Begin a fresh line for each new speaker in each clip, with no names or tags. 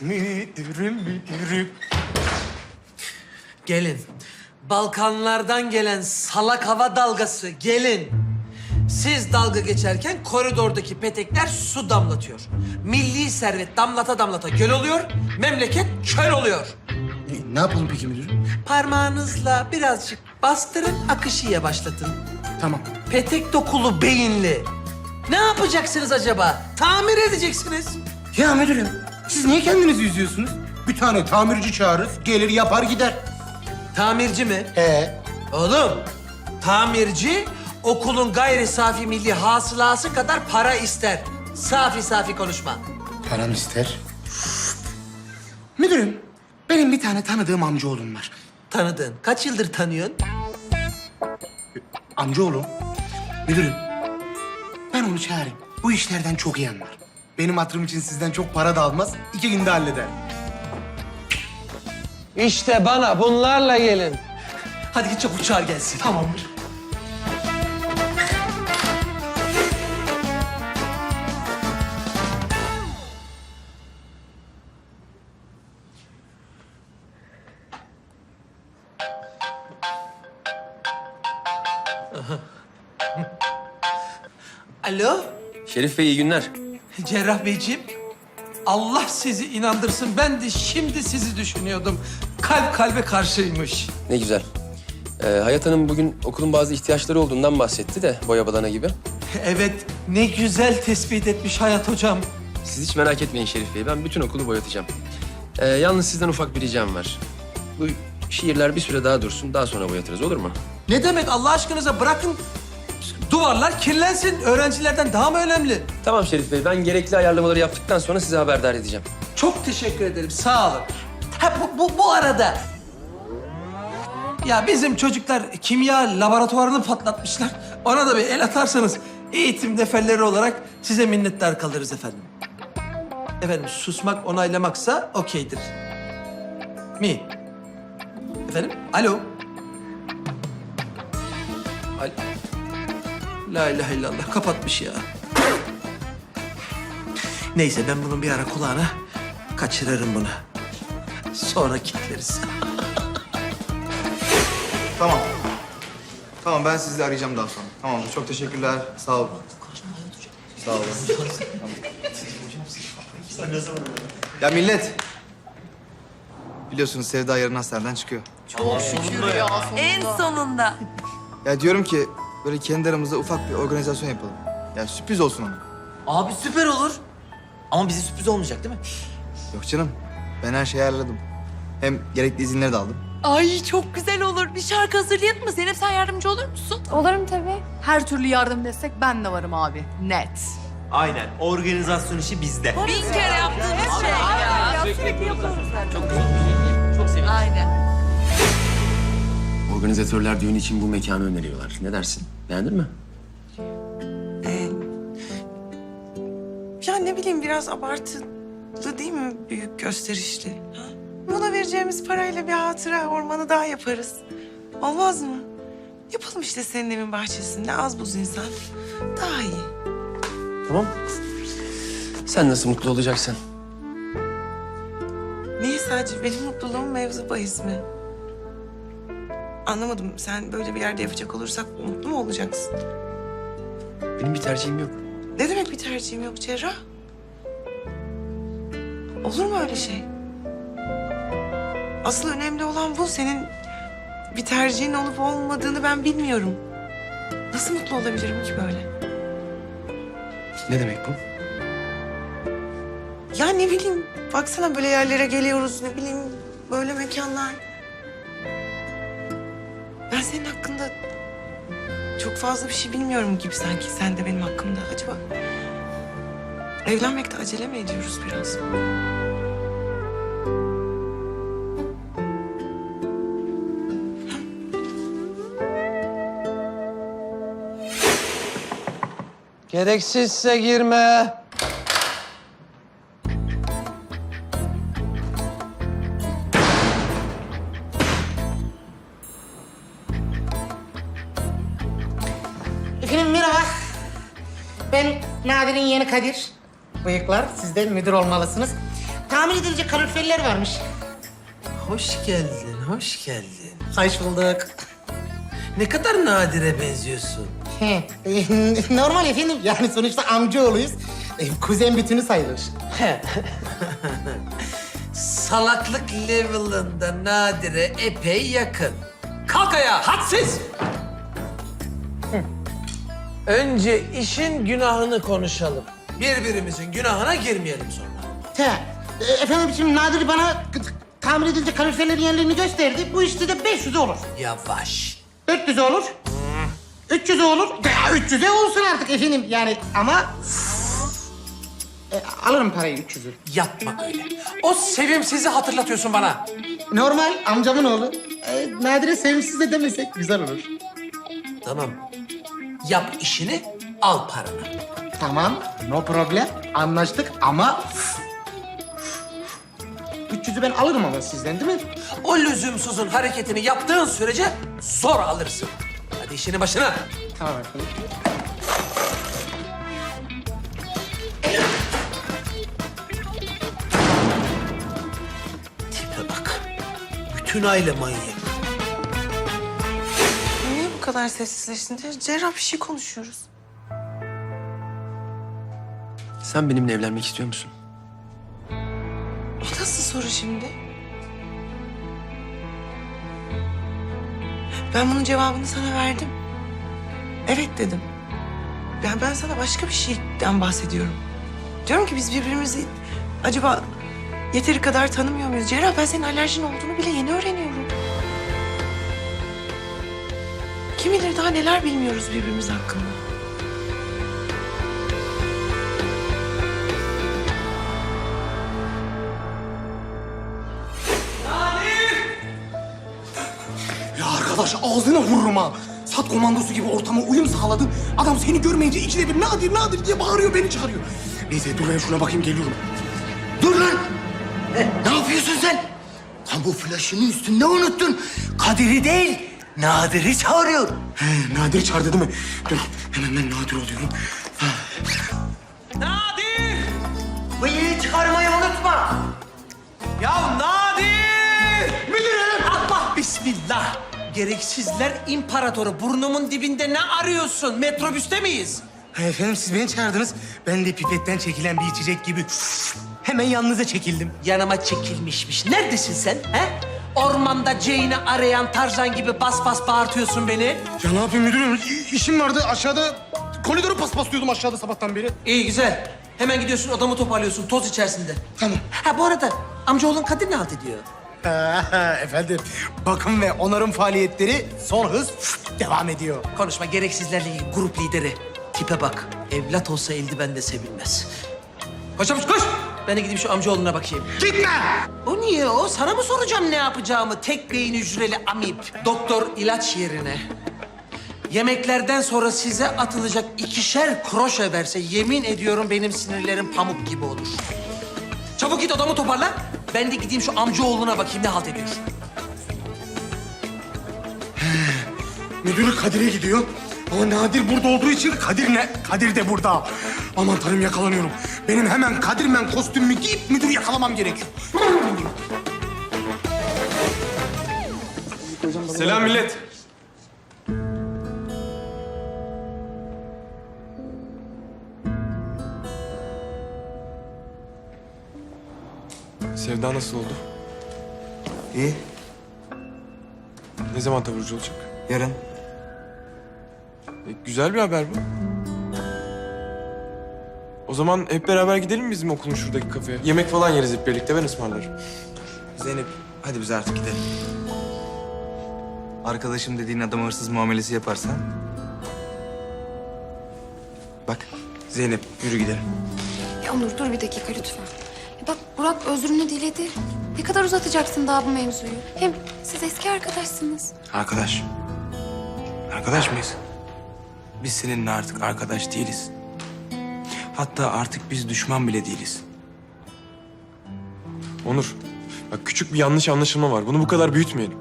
Müdürüm. Gelin. Balkanlardan gelen salak hava dalgası gelin. Siz dalga geçerken koridordaki petekler su damlatıyor. Milli servet damlata damlata göl oluyor, memleket çöl oluyor.
Ne yapalım peki müdürüm?
Parmağınızla birazcık bastırın, akışı yavaşlatın.
Tamam.
Petek dokulu beyinli. Ne yapacaksınız acaba? Tamir edeceksiniz.
Ya müdürüm, siz niye kendinizi üzüyorsunuz? Bir tane tamirci çağırırız, gelir yapar gider.
Tamirci mi?
Oğlum,
Tamirci okulun gayri safi milli hasılası kadar para ister. Safi safi konuşma.
param ister. Müdürüm, benim bir tane tanıdığım amcaoğlum var.
Tanıdığın. Kaç yıldır tanıyorsun?
Amcaoğlum, müdürüm, ben onu çağırayım. Bu işlerden çok iyi anlar. Benim hatırım için sizden çok para da almaz, 2 günde halleder.
İşte bana bunlarla gelin. Hadi git çabuk çağır gelsin.
Tamamdır.
Alo,
Şerif Bey iyi günler.
Cerrah Beyciğim. Allah sizi inandırsın. Ben de şimdi sizi düşünüyordum. Kalp kalbe karşıymış.
Ne güzel. Hayat Hanım bugün okulun bazı ihtiyaçları olduğundan bahsetti de boya badana gibi.
Evet, ne güzel tespit etmiş Hayat Hocam.
Siz hiç merak etmeyin Şerif Bey. Ben bütün okulu boyatacağım. Yalnız sizden ufak bir ricam var. Bu şiirler bir süre daha dursun. Daha sonra boyatırız olur mu?
Ne demek Allah aşkınıza bırakın. Duvarlar kirlensin. Öğrencilerden daha mı önemli?
Tamam Şerif Bey. Ben gerekli ayarlamaları yaptıktan sonra size haberdar edeceğim.
Çok teşekkür ederim. Sağ olun. Ha bu arada ya bizim çocuklar kimya laboratuvarını patlatmışlar. Ona da bir el atarsanız eğitim neferleri olarak size minnettar kalırız efendim. Efendim susmak onaylamaksa okeydir. Mi? Efendim? Alo? La ilahe illallah kapatmış ya. Neyse ben bunun bir ara kulağına kaçırırım bunu. Sonra kilitleriz.
Tamam. Tamam ben sizi arayacağım daha sonra. Tamamdır. Çok teşekkürler. Sağ olun. Sağ olun. Ya millet. Biliyorsunuz Sevda yarın hastaneden çıkıyor.
En sonunda.
Ya diyorum ki böyle kendi aramızda ufak bir organizasyon yapalım. Ya sürpriz olsun ona.
Abi süper olur. Ama bize sürpriz olmayacak değil mi?
Yok canım. Ben her şeyi ayarladım. Hem gerekli izinleri de aldım.
Ay çok güzel olur. Bir şarkı hazırlayalım mı? Zeynep sen yardımcı olur musun?
Olurum tabii. Her türlü yardım destek ben de varım abi. Net.
Aynen. Organizasyon işi bizde.
Bin kere yaptığımız şey ya.
Sürekli yapıyoruz zaten.
Çok güzel bir şey. Çok sevindim.
Aynen.
Organizatörler düğün için bu mekanı öneriyorlar. Ne dersin? Beğendin mi?
Ya ne bileyim biraz abartılı değil mi? Büyük gösterişli. Ha? Buna vereceğimiz parayla bir hatıra ormanı daha yaparız. Olmaz mı? Yapalım işte senin evin bahçesinde az buz insan. Daha iyi.
Tamam. Sen nasıl mutlu olacaksın?
Niye sadece benim mutluluğum mevzu bahis mi? Anlamadım. Sen böyle bir yerde yapacak olursak mutlu mu olacaksın?
Benim bir tercihim yok.
Ne demek bir tercihim yok Cerrah? Olur mu öyle şey? Asıl önemli olan bu. Senin bir tercihin olup olmadığını ben bilmiyorum. Nasıl mutlu olabilirim ki böyle?
Ne demek bu?
Ya ne bileyim, baksana böyle yerlere geliyoruz, ne bileyim böyle mekanlar. Ben senin hakkında çok fazla bir şey bilmiyorum gibi sanki. Sen de benim hakkımda. Acaba evlenmekte acele mi ediyoruz biraz?
Gereksizse girme.
Efendim merhaba. Ben Nadir'in yeğeni Kadir. Bıyıklar, siz de müdür olmalısınız. tamir edilecek kaloriferler varmış.
Hoş geldin, hoş geldin.
Hoş bulduk.
Ne kadar Nadir'e benziyorsun.
He, normal efendim. Yani sonuçta amcaoğluyuz. Kuzen bütünü sayılır.
Salaklık level'ında Nadir'e epey yakın. Kalk ayağa, hadsiz! Önce işin günahını konuşalım. Birbirimizin günahına girmeyelim sonra.
He, efendim şimdi Nadir bana tamir edilecek kaloriferlerin yerlerini gösterdi. Bu işte de 500'e olur.
Yavaş.
400'e olur. 300'e olur. Ya 300'e olsun artık efendim yani ama... alırım parayı 300'ü.
Yapma öyle. O sevimsizi hatırlatıyorsun bana.
Normal amcamın oğlu. Nadir'e sevimsiz de demesek güzel olur.
Tamam. Yap işini, al paranı.
Tamam, no problem. Anlaştık ama... 300'ü ben alırım ama sizden değil mi?
O lüzumsuzun hareketini yaptığın sürece zor alırsın. Hadi işinin başına.
Tamam efendim.
Tipe bak. Bütün aile manyak.
Niye bu kadar sessizleştin? Cerrah bir şey konuşuyoruz.
Sen benimle evlenmek istiyor musun?
O nasıl soru şimdi? Ben bunun cevabını sana verdim. Evet dedim. Ben sana başka bir şeyden bahsediyorum. Diyorum ki biz birbirimizi acaba yeteri kadar tanımıyor muyuz? Cerrah, ben senin alerjin olduğunu bile yeni öğreniyorum. Kim bilir daha neler bilmiyoruz birbirimiz hakkında.
Ya arkadaş ağzına vururum ha. Sat komandosu gibi ortama uyum sağladın. Adam seni görmeyince ikide bir Nadir Nadir diye bağırıyor, beni çağırıyor. Neyse dur ben şuna bakayım, geliyorum.
Dur lan! Ne yapıyorsun sen? Lan bu flaşını üstünde unuttun. Kadir'i değil, Nadir'i çağırıyor.
He, Nadir çağırdı değil mi? Dur hemen ben Nadir oluyorum.
Nadir!
Bıyığı çıkarmayı unutma.
Ya Nadir! Müdürüm! Allah bismillah! Gereksizler imparatoru. Burnumun dibinde ne arıyorsun? Metrobüste miyiz?
Ha, efendim siz beni çağırdınız. Ben de pipetten çekilen bir içecek gibi hemen yanınıza çekildim.
Yanıma çekilmişmiş. Neredesin sen? He? Ormanda Jane'i arayan Tarzan gibi bas bas bağırtıyorsun beni.
Ya ne yapayım müdürüm? İşim vardı aşağıda. Koridoru paspaslıyordum aşağıda sabahtan beri.
İyi güzel. Hemen gidiyorsun odamı toparlıyorsun toz içerisinde.
Tamam.
Ha bu arada amcaoğlun Kadir ne halt ediyor?
Efendim bakım ve onarım faaliyetleri son hız devam ediyor.
Konuşma gereksizlerle ilgili grup lideri. Tipe bak. Evlat olsa eldiven de sevilmez. Koş çabuk koş. Ben de gideyim şu amcaoğluna bakayım.
Gitme!
O niye o? Sana mı soracağım ne yapacağımı? Tek beyin hücreli amip. Doktor ilaç yerine. Yemeklerden sonra size atılacak 2'şer kroşe verse yemin ediyorum benim sinirlerim pamuk gibi olur. Çabuk git odamı toparla. Ben de gideyim şu amcaoğluna bakayım ne halt ediyor.
Müdürü Kadir'e gidiyor. Ama Nadir burada olduğu için Kadir de burada. Aman tanrım yakalanıyorum. Benim hemen Kadirmen kostümümü giyip müdürü yakalamam gerekiyor.
Selam millet. Sevda nasıl oldu?
İyi.
Ne zaman taburcu olacak?
Yarın.
Güzel bir haber bu. O zaman hep beraber gidelim mi bizim okulun şuradaki kafeye? Yemek falan yeriz hep birlikte, ben ısmarlarım.
Zeynep, hadi biz artık gidelim. Arkadaşım dediğin adama hırsız muamelesi yaparsan... Bak, Zeynep yürü gidelim.
Ya Onur dur bir dakika lütfen. Ya bak Burak özrünü diledi. Ne kadar uzatacaksın daha bu mevzuyu? Hem siz eski arkadaşsınız.
Arkadaş. Arkadaş mıyız? Biz seninle artık arkadaş değiliz. Hatta artık biz düşman bile değiliz.
Onur, bak küçük bir yanlış anlaşılma var. Bunu bu kadar büyütmeyelim.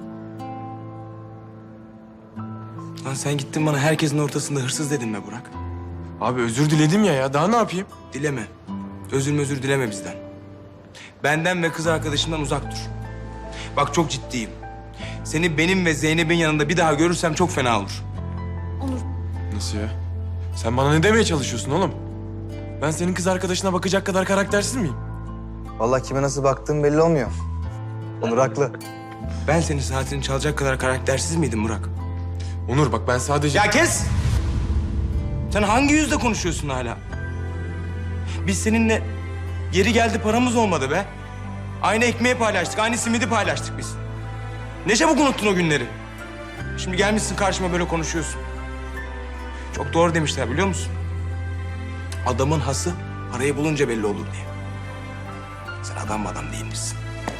Lan sen gittin bana herkesin ortasında hırsız dedin mi Burak?
Abi özür diledim ya, daha ne yapayım?
Dileme. Özür dileme bizden. Benden ve kız arkadaşımdan uzak dur. Bak çok ciddiyim. Seni benim ve Zeynep'in yanında bir daha görürsem çok fena olur.
Nasıl ya? Sen bana ne demeye çalışıyorsun oğlum? Ben senin kız arkadaşına bakacak kadar karaktersiz miyim?
Vallahi kime nasıl baktığım belli olmuyor. Onur haklı.
Ben senin saatini çalacak kadar karaktersiz miydim Burak?
Onur bak ben sadece...
Ya kes! Sen hangi yüzle konuşuyorsun hala? Biz seninle yeri geldi paramız olmadı be. Aynı ekmeği paylaştık, aynı simidi paylaştık biz. Ne çabuk unuttun o günleri. Şimdi gelmişsin karşıma böyle konuşuyorsun. Çok doğru demişler biliyor musun? Adamın hası parayı bulunca belli olur diye. Sen adam değilmişsin.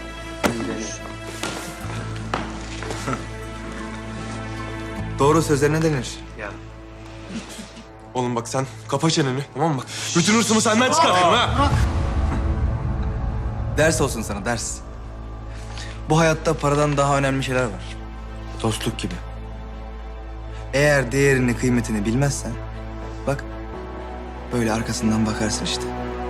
Doğru sözlerine denir.
Oğlum bak sen kapa çeneni tamam mı? Bak bütün hırsımı senden çıkarırım ha.
Ders olsun sana, ders. Bu hayatta paradan daha önemli şeyler var. Dostluk gibi. Eğer değerini, kıymetini bilmezsen... bak, böyle arkasından bakarsın işte.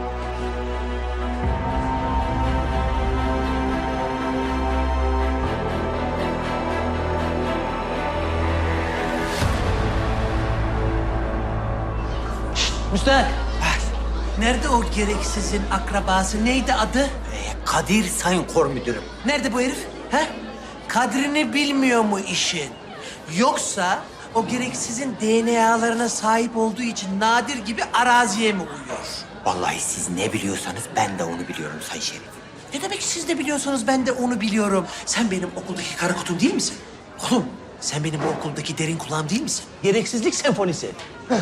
Müstahak. Nerede o gereksizin akrabası? Neydi adı?
Kadir Sayın Kor Müdürüm.
Nerede bu herif? He? Kadrini bilmiyor mu işin? Yoksa o gereksizin DNA'larına sahip olduğu için Nadir gibi araziye mi uyuyor?
Vallahi siz ne biliyorsanız ben de onu biliyorum Sayın Şerif.
Ne demek siz de biliyorsanız ben de onu biliyorum. Sen benim okuldaki kara kutum değil misin? Oğlum sen benim bu okuldaki derin kulağım değil misin? Gereksizlik senfonisi.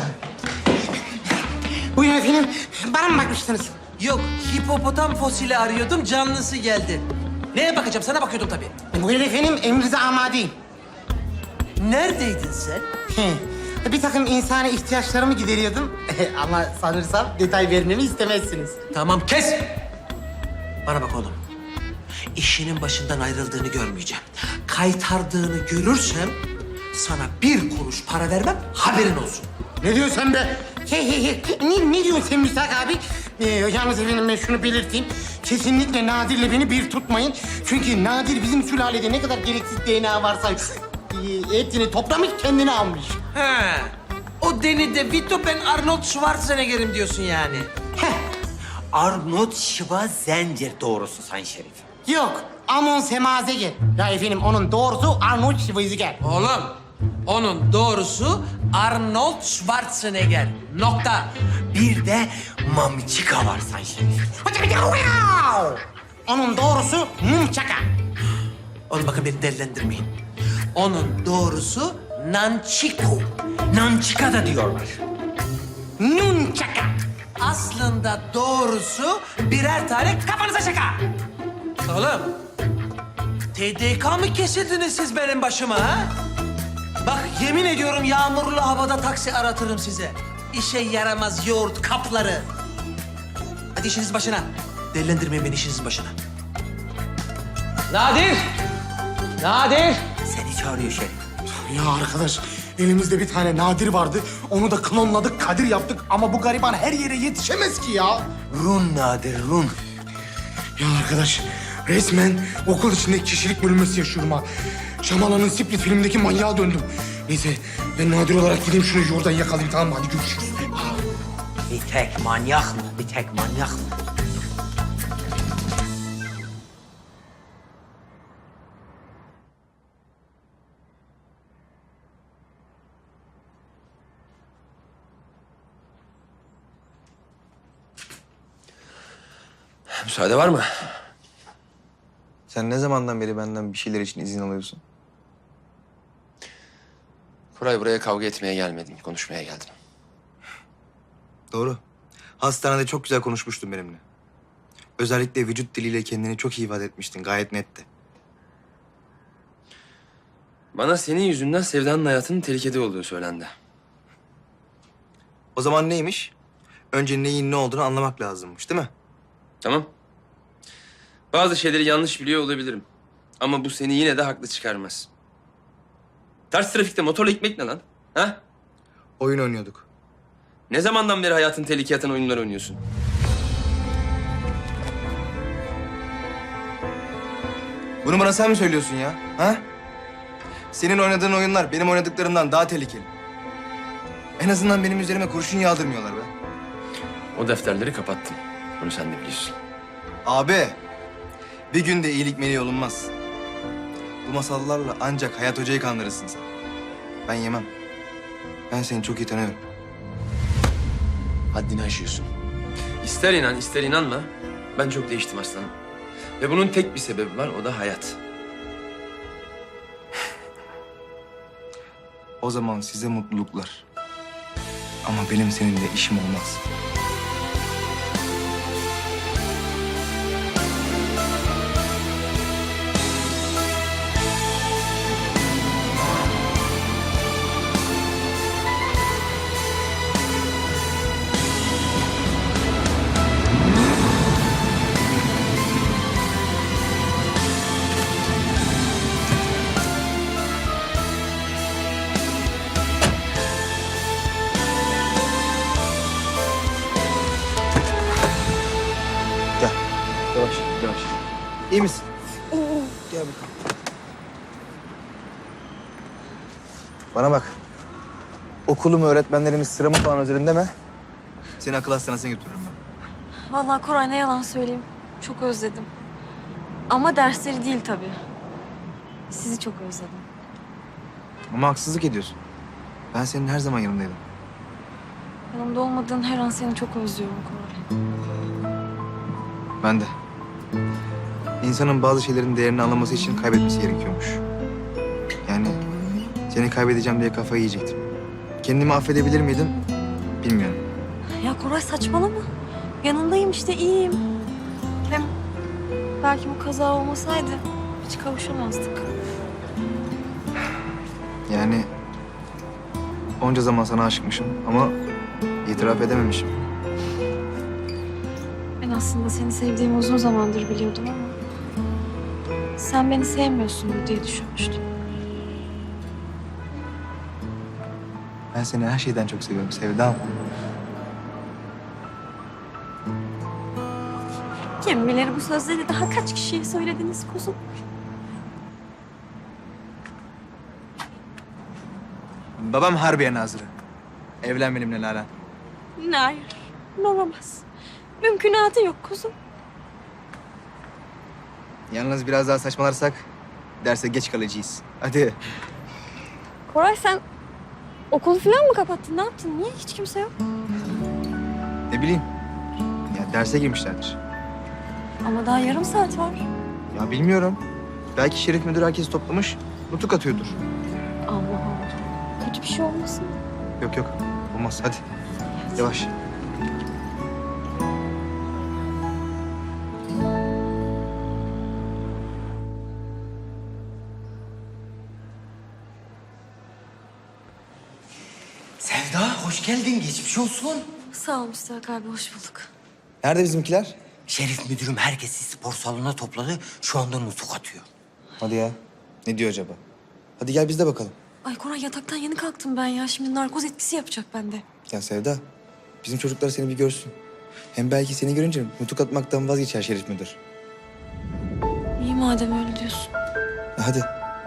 Buyurun efendim. Bana mı bakmıştınız?
Yok, hipopotam fosili arıyordum, canlısı geldi. Neye bakacağım? Sana bakıyordum tabii.
Buyurun efendim. Emrinize amadeyim.
Neredeydin sen?
Bir takım insani ihtiyaçlarımı gideriyordum. Ama sanırsam detay vermemi istemezsiniz.
Tamam, kes! Bana bak oğlum. İşinin başından ayrıldığını görmeyeceğim. Kaytardığını görürsem sana bir kuruş para vermem, haberin olsun.
Ne diyorsun sen be? Ne diyorsun sen Müstahak abi? Yalnız efendim ben şunu belirteyim. Kesinlikle Nadir'le beni bir tutmayın. Çünkü Nadir bizim sülalede ne kadar gereksiz DNA varsa hepsini toplamış kendine almış.
He. O Danny DeVito, ben Arnold Schwarzenegger'im diyorsun yani.
Arnold Schwarzenegger doğrusu Sayın Şerif.
Yok, Amon Semazeger. Ya efendim onun doğrusu Arnold Schwarzenegger.
Oğlum, onun doğrusu Arnold Schwarzenegger. Nokta.
Bir de Mamçika var Sayın Şerif.
Onun doğrusu Mumçaka.
Oğlum bakın beni delilendirmeyin. Onun doğrusu Nanchiko.
Nançika da diyorlar.
Nunçaka.
Aslında doğrusu birer tane kafanıza şaka. Oğlum, TDK mı kesildiniz siz benim başıma ha? Bak yemin ediyorum yağmurlu havada taksi aratırım size. İşe yaramaz yoğurt kapları. Hadi işiniz başına. Delilendirmeyin beni işinizin başına. Nadir! Nadir!
Seni çağırıyor Şerif.
Ya arkadaş, elimizde bir tane Nadir vardı. Onu da klonladık, Kadir yaptık. Ama bu gariban her yere yetişemez ki ya.
Run Nadir, run.
Ya arkadaş, resmen okul içinde kişilik bölünmesi yaşıyorum ha. Şamala'nın Split filmindeki manyağa döndüm. Neyse, ben Nadir olarak gideyim şunu oradan yakalayayım, tamam mı? Hadi görüşürüz.
Bir tek manyak mı? Bir tek manyak mı?
Müsaade var mı?
Sen ne zamandan beri benden bir şeyler için izin alıyorsun?
Koray buraya kavga etmeye gelmedim, konuşmaya geldim.
Doğru. Hastanede çok güzel konuşmuştun benimle. Özellikle vücut diliyle kendini çok iyi ifade etmiştin, gayet netti.
Bana senin yüzünden Sevda'nın hayatının tehlikede olduğu söylendi.
O zaman neymiş? Önce neyin ne olduğunu anlamak lazımmış, değil mi?
Tamam. Bazı şeyleri yanlış biliyor olabilirim. Ama bu seni yine de haklı çıkarmaz. Ters trafikte motorla gitmek ne lan? Ha?
Oyun oynuyorduk.
Ne zamandan beri hayatın tehlikeye atan oyunlar oynuyorsun?
Bunu bana sen mi söylüyorsun ya? Ha? Senin oynadığın oyunlar benim oynadıklarımdan daha tehlikeli. En azından benim üzerime kurşun yağdırmıyorlar be.
O defterleri kapattım. Bunu sen de biliyorsun.
Abi, bir günde iyilik meleği olunmaz. Bu masallarla ancak Hayat Hoca'yı kandırırsın sen. Ben yemem. Ben seni çok iyi tanıyorum.
Haddini aşıyorsun. İster inan, ister inanma. Ben çok değiştim aslanım. Ve bunun tek bir sebebi var, o da hayat.
O zaman size mutluluklar. Ama benim seninle işim olmaz. Gel. Yavaş, yavaş. İyi misin? Gel bakalım. Bana bak. Okulum, öğretmenlerimiz sıramı falan özledim deme. Seni akıl hastanesine götürürüm ben.
Vallahi Koray ne yalan söyleyeyim. Çok özledim. Ama dersleri değil tabii. Sizi çok özledim.
Ama haksızlık ediyorsun. Ben senin her zaman yanındaydım.
Yanımda olmadığın her an seni çok özlüyorum Koray.
Ben de. İnsanın bazı şeylerin değerini anlaması için kaybetmesi gerekiyormuş. Yani seni kaybedeceğim diye kafayı yiyecektim. Kendimi affedebilir miydim? Bilmiyorum.
Ya Koray saçmalama. Yanındayım işte iyiyim. Hem belki bu kaza olmasaydı hiç kavuşamazdık.
Yani onca zaman sana aşıkmışım ama itiraf edememişim.
Ben aslında seni sevdiğimi uzun zamandır biliyordum ama sen beni sevmiyorsundur diye düşünmüştüm.
Ben seni her şeyden çok seviyorum Sevdam.
Kim bilir bu sözleri daha kaç kişiye söylediniz kuzum?
Babam Harbiye Nazırı. Evlen benimle Nalan.
Hayır, olamaz. Mümkünatı yok kuzum.
Yalnız biraz daha saçmalarsak derse geç kalacağız. Hadi.
Koray sen okulu falan mı kapattın? Ne yaptın? Niye hiç kimse yok?
Ne bileyim. Ya derse girmişlerdir.
Ama daha yarım saat var.
Ya bilmiyorum. Belki Şerif Müdür herkesi toplamış, nutuk atıyordur.
Allah Allah. Kötü bir şey olmasın.
Yok yok. Olmaz. Hadi. Yavaş.
Sevda hoş geldin. Geçmiş olsun.
Sağ ol Müstahak abi, hoş bulduk.
Nerede bizimkiler?
Şerif müdürüm herkesi spor salonuna topladı. Şu anda nutuk atıyor.
Hadi ya. Ne diyor acaba? Hadi gel biz de bakalım.
Ay Koray yataktan yeni kalktım ben ya. Şimdi narkoz etkisi yapacak bende.
Ya Sevda, bizim çocuklar seni bir görsün. Hem belki seni görünce nutuk atmaktan vazgeçer Şerif Müdür.
İyi madem öyle diyorsun.
Hadi.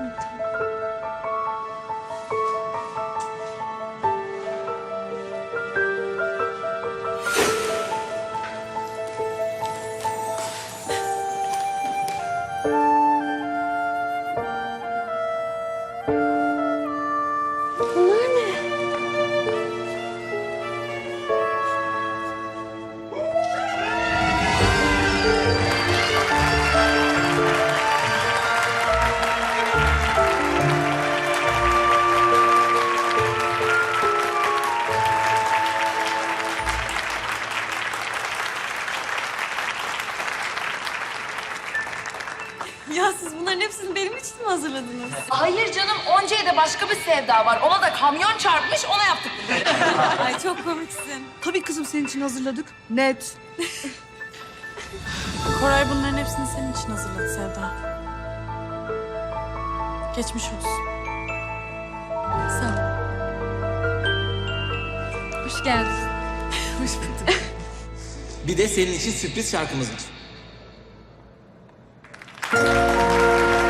Bunlar ne? Ya siz bunların hepsini benim için mi hazırladınız?
Hayır canım, Onca'ya da başka bir sevda var. Ona da kamyon çarpmış, ona yaptık bunları.
Ay çok komiksin.
Tabii kızım senin için hazırladık. Net.
Koray bunların hepsini senin için hazırladı Sevda. Geçmiş olsun.
Sağ ol. Hoş geldin.
Hoş bulduk.
Bir de senin için sürpriz şarkımız var.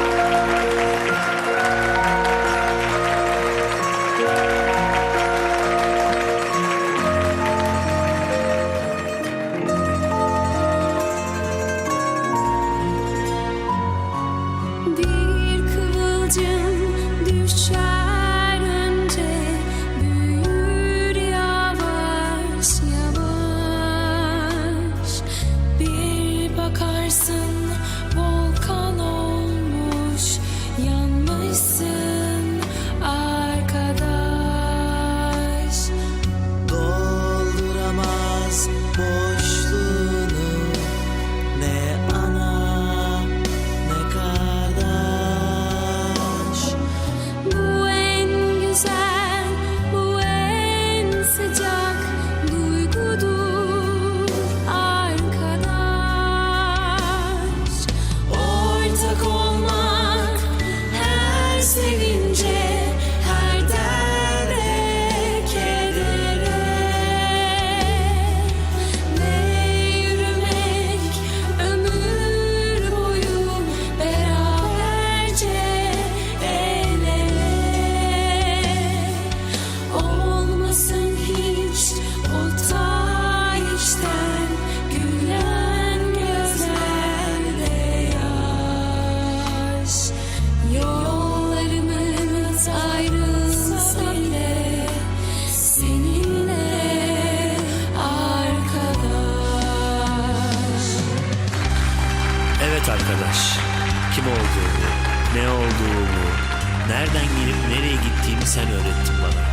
Evet arkadaş, kim olduğumu, ne olduğumu, nereden gelip nereye gittiğimi sen öğrettin bana.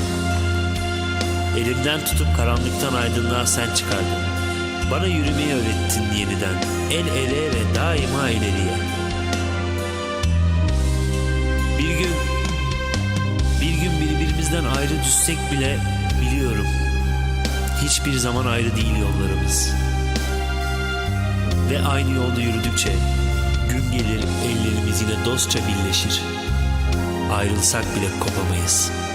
Elimden tutup karanlıktan aydınlığa sen çıkardın. Bana yürümeyi öğrettin yeniden, el ele ve daima ileriye. Bir gün birbirimizden ayrı düşsek bile biliyorum, hiçbir zaman ayrı değil yollarımız. Ve aynı yolda yürüdükçe gün gelir ellerimiz yine dostça birleşir. Ayrılsak bile kopamayız.